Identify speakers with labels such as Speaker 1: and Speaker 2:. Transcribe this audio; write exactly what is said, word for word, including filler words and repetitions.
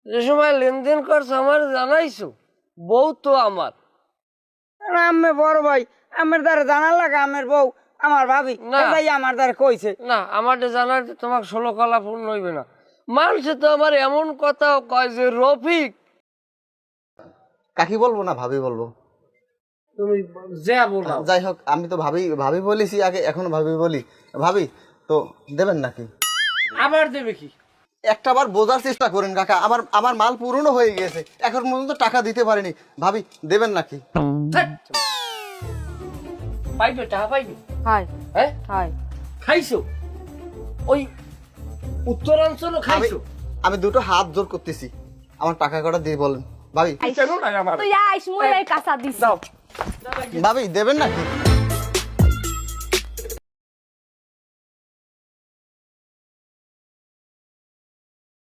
Speaker 1: যে সময় লেনদেন করছো আমার জানাইছো, বউ তো আমার।
Speaker 2: আমি বড় ভাই, আমার দ্বারা জানার লাগে আমার বউ আমার ভাবি
Speaker 1: না।
Speaker 2: এটাই আমার দ্বারা কইছে।
Speaker 1: না, আমার জানার তোমার ষোলো কলা পূর্ণ হইবে না। মানুষে তো আমার এমন কথাও কয় যে রফিক।
Speaker 3: কাকি বলবো না ভাবি বলবো?
Speaker 1: তুমি যা বলো।
Speaker 3: যাই হোক, আমি তো ভাবি ভাবি বলেছি আগে, এখনো ভাবি বলি। ভাবি তো দেবেন নাকি?
Speaker 1: আবার দেবে কি?
Speaker 3: একটা বার বোঝার চেষ্টা করেন কাকা, আমার আমার মাল পুরনো হয়ে গেছে, এখন পর্যন্ত টাকা দিতে পারিনি। ভাবি দেবেন নাকি?
Speaker 1: পাইবে, টাকা পাইবে।
Speaker 2: হাই
Speaker 1: হ্যাঁ
Speaker 2: হাই
Speaker 1: খাইছো ওই উত্তরাঞ্চলও খাইছো।
Speaker 3: আমি দুটো হাত জোর করতেছি, আমার টাকা কটা দিয়ে বলেন ভাবি।
Speaker 1: কেন না আমার
Speaker 4: তুই আইস মই কাঁচা দিস
Speaker 1: দাও।
Speaker 3: ভাবি দেবেন নাকি?